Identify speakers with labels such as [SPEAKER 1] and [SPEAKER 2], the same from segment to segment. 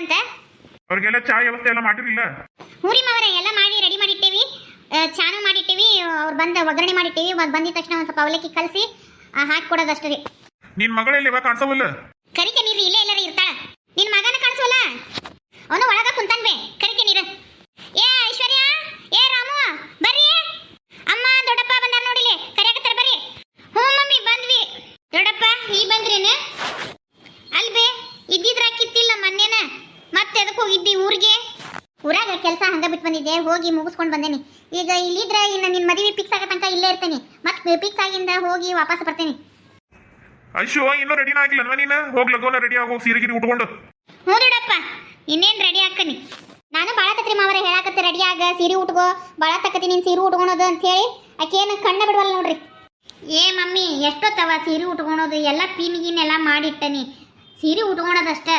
[SPEAKER 1] ಅಂತ
[SPEAKER 2] ಅವ್ರಿಗೆಲ್ಲ ಚಾ ವ್ಯವಸ್ಥೆ ಎಲ್ಲ ಮಾಡಿರಲಿಲ್ಲ?
[SPEAKER 1] ಹೂರಿ ಮಾವರ ಎಲ್ಲ ಮಾಡಿ ರೆಡಿ ಮಾಡಿಟ್ಟೇವಿ, ಚಾನು ಮಾಡಿಟ್ಟೇವಿ, ಅವ್ರು ಬಂದ ಒಗ್ಗರಣೆ ಮಾಡಿಟ್ಟೇವಿ. ಬಂದಿದ ತಕ್ಷಣ ಒಂದು ಸ್ವಲ್ಪ ಅವಲಕ್ಕಿ ಕಲಸಿ ಹಾಕಿ ಕೊಡೋದಷ್ಟೇ ರೀ.
[SPEAKER 2] ನಿನ್ ಮಗಳೆಲ್ಲ ಇವಾಗ ಕಾಣಿಸವಲ್ಲ?
[SPEAKER 1] ಕರಿಕೆ ನೀರು ಇಲ್ಲೇ ಎಲ್ಲರೂ ಇರ್ತಾಳ. ನಿನ್ ಮಗನ ಕಾಣಿಸೋಲ್ಲ, ಅವನು ಒಳಗ ಕುಂತಾನ್ ಬೇ. ಕರಿಕೆ ನೀರು. ಏ ಐಶ್ವರ್ಯ, ಏ ರಾಮು, ಬರ್ರಿ. ಅಮ್ಮ ದೊಡ್ಡಪ್ಪ ಬಂದಾರ ನೋಡಿಲಿ, ಕರಿಯಾಕತ್ತಾರ ಬರ್ರಿ. ಹ್ಞೂ ಮಮ್ಮಿ ಬಂದ್ವಿ. ದೊಡ್ಡಪ್ಪ ಈ ಬಂದ್ರೇನ? ಅಲ್ಬೇ ಇದ್ದಿದ್ರ ಕಿತ್ತಿಲ್ಲ ಮೊನ್ನೆನ, ಮತ್ತೆ ಅದಕ್ಕೆ ಹೋಗಿದ್ದಿ ಊರಿಗೆ. ಊರಾಗ ಕೆಲಸ ಹಂಗ ಬಿಟ್ಟು ಬಂದಿದ್ದೆ, ಹೋಗಿ ಮುಗಿಸ್ಕೊಂಡು ಬಂದೇನಿ. ಈಗ ಇಲ್ಲಿದ್ರ ಇನ್ನು ನಿನ್ನ ಮದುವೆ ಫಿಕ್ಸ್ ಆಗೋ ತನಕ ಇಲ್ಲೇ ಇರ್ತೇನೆ. ಮತ್ತೆ ಫಿಕ್ಸ್ ಆಗಿಂದ ಹೋಗಿ ವಾಪಸ್ ಬರ್ತೇನೆ.
[SPEAKER 2] ಐಶು ಇನ್ನೂ ರೆಡಿನ ಆಗಿಲ್ಲ ನೀನು? ಹೋಗ್ ಲಗೋನ ರೆಡಿ ಆಗೋ, ಸೀರೆ ಗಿರಿ ಉಟ್ಕೊಂಡು.
[SPEAKER 1] ಹ್ಞೂ ದೊಡ್ಡಪ್ಪ ಇನ್ನೇನು ರೆಡಿ ಹಾಕನಿ. ನಾನು ಭಾಳ ತತ್ರಿ ಮಾವರ ಹೇಳಾಕತ್ತೆ ರೆಡಿ ಆಗ, ಸೀರೆ ಉಟ್ಕೋ, ಭಾಳ ತಕ್ಕತಿ ನೀನು ಸೀರೆ ಉಟ್ಕೊಳೋದು ಅಂತ ಹೇಳಿ. ಆಕೇನು ಕಣ್ಣ ಬಿಡವಲ್ಲ ನೋಡ್ರಿ. ಏ ಮಮ್ಮಿ ಎಷ್ಟೊತ್ತವ ಸೀರೆ ಉಟ್ಕೊಳೋದು, ಎಲ್ಲ ಪೀನಿಗಿನೆಲ್ಲ ಮಾಡಿಟ್ಟನಿ, ಸೀರೆ ಉಟ್ಕೊಳೋದಷ್ಟೇ.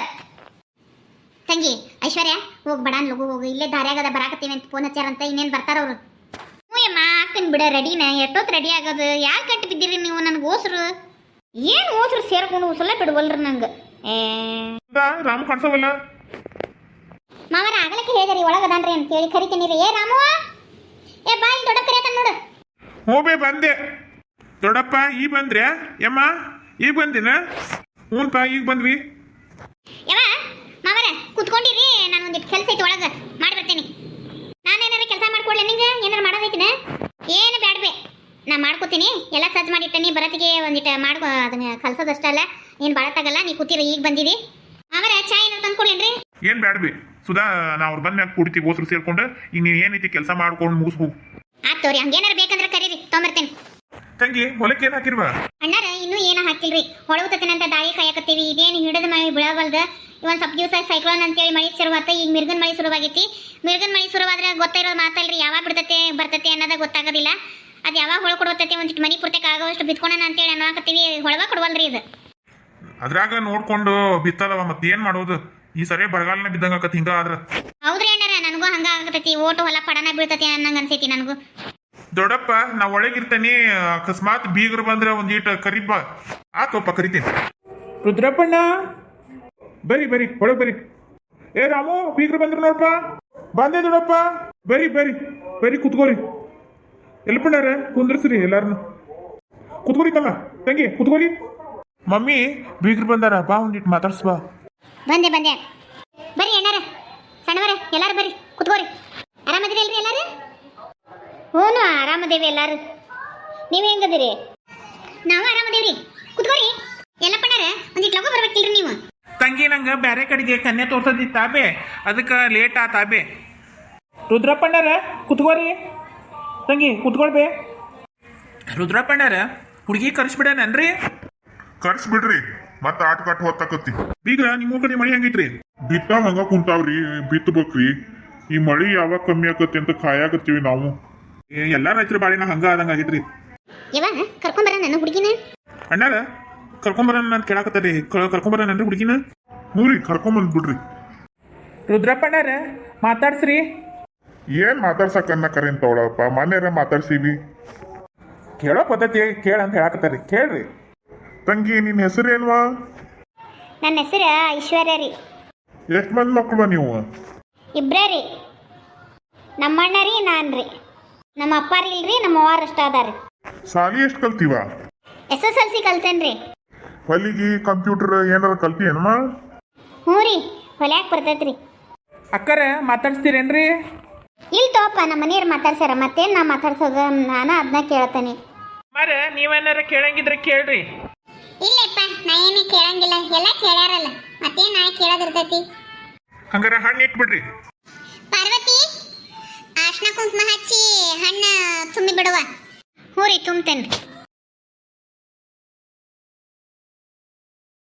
[SPEAKER 1] ತಂಗಿ ಐಶ್ವರ್ಯ ಹೋಗಿ ಬಡಾನ್ ಲಗು ಹೋಗು, ಇಲ್ಲೇ ದಾರ್ಯಾಗದ ಬರಾಕತ್ತೀವಿ ಅಂತ ಫೋನ್ ಹಚ್ಚಾರಂತ. ಇನ್ನೇನು ಬರ್ತಾರವ್ರು. ಹ್ಞೂ ಅಮ್ಮ ಹಾಕನ್ ಬಿಡ ರೆಡಿನ. ಎಷ್ಟೊತ್ತು ರೆಡಿ ಆಗೋದು? ಯಾಕೆ ಕಟ್ಟಿ ಬಿದ್ದಿರಿ ನೀವು ನನಗೆ ಓಸ್ರು? ಏನು ಓಸ್ರು ಸೇರ್ಕೊಂಡು ಉಸಲ ಬಿಡುವಲ್ರಿ ನಂಗೆ.
[SPEAKER 2] ರಾಮ್ ಕಾಣಿಸವಲ್ಲ?
[SPEAKER 1] ಮಾವರ ಆಗಲಕ್ಕೆ ಹೇಳಿದ್ರಿ ಒಳಗದಾನ್ರಿ ಅಂತ ಹೇಳಿ ಕರಿತೀನಿ. ಏ ರಾಮು, ಏ ಬಾಯಿ ದೊಡ್ಡಪ್ಪ ಕರಿಯತಾನ ನೋಡು.
[SPEAKER 2] ಹೋಬೇ ಬಂದೆ. ದೊಡ್ಡಪ್ಪ ಈಗ ಬಂದ್ರೆ? ಯಮ್ಮ ಈಗ ಬಂದಿನ? ಹ್ಞೂನ್ಪ ಈಗ ಬಂದ್ವಿ.
[SPEAKER 1] ಯಾವ ಮಾವರ ಕುತ್ಕೊಂಡಿರಿ, ನಾನು ಒಂದಿಟ್ಟು ಕೆಲಸ ಐತಿ ಒಳಗೆ ಮಾಡಿ ಬರ್ತೀನಿ. ನಾನೇನಾರ ಕೆಲಸ ಮಾಡ್ಕೊಡ್ಲೆ ನಿಂಗೆ? ಏನಾರು ಮಾಡೋದೈತಿನ? ಏನು ಬ್ಯಾಡ್ಬೇ, ನಾ ಮಾಡ್ಕೋತೀನಿ. ಎಲ್ಲ ಸಜ್ಜು ಮಾಡಿಟ್ಟನಿ, ಬರತ್ತಿಗೆ ಒಂದಿಟ್ಟು ಮಾಡ್ಕೊ, ಅದನ್ನ ಕಲ್ಸೋದಷ್ಟೇ ಅಲ್ಲ, ಏನು ಬಾಳತ್ತಾಗಲ್ಲ. ನೀ ಕೂತಿರಿ, ಈಗ ಬಂದಿರಿ. ಮಾವರ ಚಾ ಏನಾರು ತಂದ್ಕೊಡ್ಲೇನ್ರಿ?
[SPEAKER 2] ಏನ್ ಬ್ಯಾಡ್ಬಿ ಸುಧಾ, ನಾ ಅವ್ರು ಬಂದ್ಮ್ಯಾಗ ಕುಡಿತೀವಿ ಓಸ್ರು ಸೇರ್ಕೊಂಡು. ಈಗ ನೀನು ಏನೈತಿ ಕೆಲಸ ಮಾಡ್ಕೊಂಡು ಮುಗಿಸ್ಬೋ.
[SPEAKER 1] ಆತೋರಿ, ಹಂಗೇನಾರು ಬೇಕಂದ್ರೆ ಕರೀರಿ, ತೊಗೊಂಬರ್ತೇನೆ.
[SPEAKER 2] ತಂಗಿ ಹೊಲಕ್ಕೆ ಏನು ಹಾಕಿರ್ವಾ?
[SPEAKER 1] ಅಣ್ಣಾರ ಇನ್ನೂ ಏನೋ ಹಾಕಿಲ್ರಿ, ಹೊಳಗುತ್ತೇನಂತ ದಾಳಿ ಕಾಯಕತ್ತೀವಿ. ಇದೇನು ಹಿಡಿದ ಮಳೆ ಬೀಳವಲ್ದು. ಇವನ್ ಸ್ವಲ್ಪ ದಿವಸ ಸೈಕ್ಲೋನ್ ಅಂತೇಳಿ ಮಳೆ ಶುರುವಾತ. ಈಗ ಮಿರ್ಗನ್ ಮಳೆ ಶುರುವಾಗೈತಿ. ಮಿರ್ಗನ್ ಮಳೆ ಶುರುವಾದ್ರೆ ಗೊತ್ತಿರೋದು ಮಾತಲ್ರಿ, ಯಾವಾಗ ಬಿಡ್ತತೆ ಬರ್ತತೆ ಅನ್ನೋದ ಗೊತ್ತಾಗೋದಿಲ್ಲ. ಅದು ಯಾವಾಗ ಹೊಳ ಕೊಡುತ್ತೈತಿ, ಒಂದಿಟ್ಟು ಮನಿ ಪೂರ್ತಕ್ಕೆ ಆಗೋಷ್ಟು ಬಿತ್ಕೊಳೋಣ ಅಂತೇಳಿ ಅನ್ನೋಕತ್ತೀವಿ. ಹೊಳಗ ಕೊಡುವಲ್ರಿ ಇದು.
[SPEAKER 2] ಅದ್ರಾಗ ನೋಡ್ಕೊಂಡು ಬಿತ್ತದವ, ಮತ್ತೆ ಏನ್ ಮಾಡೋದು? ಈ ಸರಿ ಬರಗಾಲನ ಬಿದ್ದಂಗ ಆಕತಿ ಹಿಂಗ ಆದ್ರ.
[SPEAKER 1] ಹೌದ್ರಿ ಅಣ್ಣಾರ, ನನಗೂ ಹಂಗ ಆಗತೈತಿ. ಓಟು ಹೊಲ ಪಡನ ಬೀಳ್ತತಿ ಅನ್ನಂಗ ಅನ್ಸೈತಿ ನನಗೂ.
[SPEAKER 2] ದೊಡ್ಡಪ್ಪ ನಾ ಒಳಗಿರ್ತೇನಿ, ಅಕಸ್ಮಾತ್ ಬೀಗರು ಬಂದ್ರೆ ಒಂದೀಟ ಕರಿಬ. ಆತೋಪ್ಪ ಕರಿತೀನಿ. ರುದ್ರಪ್ಪಣ್ಣ ಬರಿ ಬರಿ ಒಳಗೆ ಬರಿ. ಏ ರಾಮು ಬೀಗರು ಬಂದ್ರು ನೋಡಪ್ಪ. ಬಂದೆ ದೊಡ್ಡಪ್ಪ, ಬರಿ ಬರಿ ಬರಿ ಕುತ್ಕೋರಿ. ಎಲ್ಪಣ್ಣಾರ ಕುಂದ್ರಸ್ರಿ ಎಲ್ಲಾರನು. ಕುತ್ಕೋರಿ ತಮ್ಮ ತಂಗಿ ಕುತ್ಕೋರಿ. ಮಮ್ಮಿ ಬೀಗರು ಬಂದಾರ, ಬಾ ಒಂದಿಟ್ಟು ಮಾತಾಡ್ಸ್ ಬಾ.
[SPEAKER 1] ಬಂದೆ ಬಂದೆ, ಬರ್ರಿ ಅಣ್ಣಾರ ಸಣ್ಣವರ ಎಲ್ಲಾರು ಬರ್ರಿ ಕುತ್ಕೋರಿ. ಆರಾಮದಿರಿ ಅಲ್ರಿ ಎಲ್ಲಾರು? ಹ್ಞೂ ಆರಾಮದೇವಿ ಎಲ್ಲಾರು. ನೀವು ಹೆಂಗದಿರಿ? ನಾವು ಆರಾಮದೇವ್ರಿ, ಕುತ್ಕೋರಿ. ಎಲ್ಲಪ್ಪಣ್ಣಾರ ಒಂದಿಟ್ಟು ಲಗು ಬರ್ಬೇಕಿಲ್ರಿ ನೀವು?
[SPEAKER 3] ತಂಗಿ ನಂಗೆ ಬೇರೆ ಕಡೆಗೆ ಕನ್ಯೆ ತೋರ್ಸದಿತ್ತಾಬೆ, ಅದಕ್ಕೆ ಲೇಟ್ ಆತಾಬೆ. ರುದ್ರಪ್ಪಣ್ಣಾರ ಕುತ್ಕೋರಿ. ತಂಗಿ ಕುತ್ಕೊಳ್ಬೇ. ರುದ್ರಪ್ಪಣ್ಣಾರ ಹುಡುಗಿ ಕರ್ಸ್ಬಿಡೇನನ್ರಿ?
[SPEAKER 2] ಕರ್ಸ್ಬಿಡ್ರಿ, ಮತ್ತ ಆಟ ಕಾಟ ಹೊತ್ತಾಕತ್ತಿ. ಬೀಗ್ರ ನಿಮ್ಮ ಕಡೆ ಮಳಿ ಹೆಂಗೈತ್ರಿ? ಬಿತ್ತಾವ ಹಂಗ ಕುಂತಾವ್ರಿ, ಬಿತ್ತಬೇಕ್ರಿ. ಈ ಮಳಿ ಯಾವಾಗ ಕಮ್ಮಿ ಆಕತಿ ಅಂತ ಕಾಯಾಕತ್ತೀವಿ ನಾವು. ಎಲ್ಲಾ ರೈತರ ಬಾಳಿನ ಹಂಗ ಆದಂಗ ಆಗೈತ್ರಿ.
[SPEAKER 1] ಯಾವಾಗ ಕರ್ಕೊಂಬರ ನನ್ನ ಹುಡುಗಿನ?
[SPEAKER 2] ಅಣ್ಣಾರ ಕರ್ಕೊಂಬರ ಅಂತ ಕೇಳಾಕತ್ತಾರಿ. ಕರ್ಕೊಂಬರನ್ರಿ ಹುಡುಗಿನ? ಹ್ಞೂ ರೀ ಕರ್ಕೊಂಬಂದ್ಬಿಡ್ರಿ.
[SPEAKER 3] ರುದ್ರಪ್ಪಣ್ಣಾರ ಮಾತಾಡ್ಸ್ರಿ.
[SPEAKER 2] ಏನ್ ಮಾತಾಡ್ಸಕ್ಕನ್ನ ಕರೆಂತವಳಪ್ಪ, ಮನೆಯರ ಮಾತಾಡ್ಸೀವಿ. ಕೇಳೋ ಪದ್ಧತಿ ಕೇಳಂತ ಹೇಳಾಕತ್ತಾರಿ, ಕೇಳ್ರಿ. ತಂಗಿ ನಿನ್ನ ಹೆಸರು ಏನ್ವಾ?
[SPEAKER 1] ನನ್ನ ಹೆಸರು ಐಶ್ವರ್ಯ ರೀ.
[SPEAKER 2] ಎಷ್ಟು ಮಂದಿ ಮಕ್ಕಳು ನೀವು?
[SPEAKER 1] ಇಬ್ರೇ ರೀ, ನಮ್ಮಣ್ಣ ರೀ, ನಾನು ರೀ. ನಮ್ಮ ಅಪ್ಪಾರಿ ಇಲ್ರಿ, ನಮ್ಮ ಅವ್ವಾರು ಅಷ್ಟ ಅದಾರಿ.
[SPEAKER 2] ಸಾಲಿ ಎಷ್ಟು ಕಲ್ತೀವ?
[SPEAKER 1] SSLC ಕಲ್ತೇನ್ರಿ.
[SPEAKER 2] ಹೊಲಿಗಿ ಕಂಪ್ಯೂಟರ್ ಏನಾರ ಕಲ್ತಿ ಏನಮ್ಮ?
[SPEAKER 1] ಹ್ಞೂ ರೀ, ಹೊಲ್ಯಾಕ ಬರ್ತೈತ್ರಿ.
[SPEAKER 3] ಅಕ್ಕರ ಮಾತಾಡ್ಸ್ತೀರೇನ್ರಿ?
[SPEAKER 1] ಇಲ್ಲಿ ತೋಪ ನಮ್ಮ ಮನೆಯವ್ರು ಮಾತಾಡ್ಸ್ಯಾರ, ಮತ್ತೇನು ನಾ ಮಾತಾಡ್ಸೋದು? ನಾನು ಅದನ್ನ ಕೇಳ್ತೇನೆ.
[SPEAKER 3] ಮರ ನೀವೇನಾರ ಕೇಳಂಗಿದ್ರೆ ಕೇಳ್ರಿ.
[SPEAKER 1] ಇಲ್ಲಪ್ಪ ನಾ ಏನು ಕೇಳಂಗಿಲ್ಲ, ಎಲ್ಲ ಕೇಳ್ಯಾರಲ್ಲ, ಮತ್ತೇನು ನಾ ಕೇಳೋದಿರ್ತೈತಿ.
[SPEAKER 2] ಹಂಗಾರ ಹಣ್ಣು ಇಟ್ಬಿಡ್ರಿ.
[SPEAKER 1] ಪಾರ್ವತಿ ಅರ್ಶಿನ ಕುಂಕುಮ ಹಚ್ಚಿ ಹಣ್ಣು ತುಂಬಿ ಬಿಡುವ. ಹ್ಞೂ ರೀ ತುಂಬ್ತೇನೆ.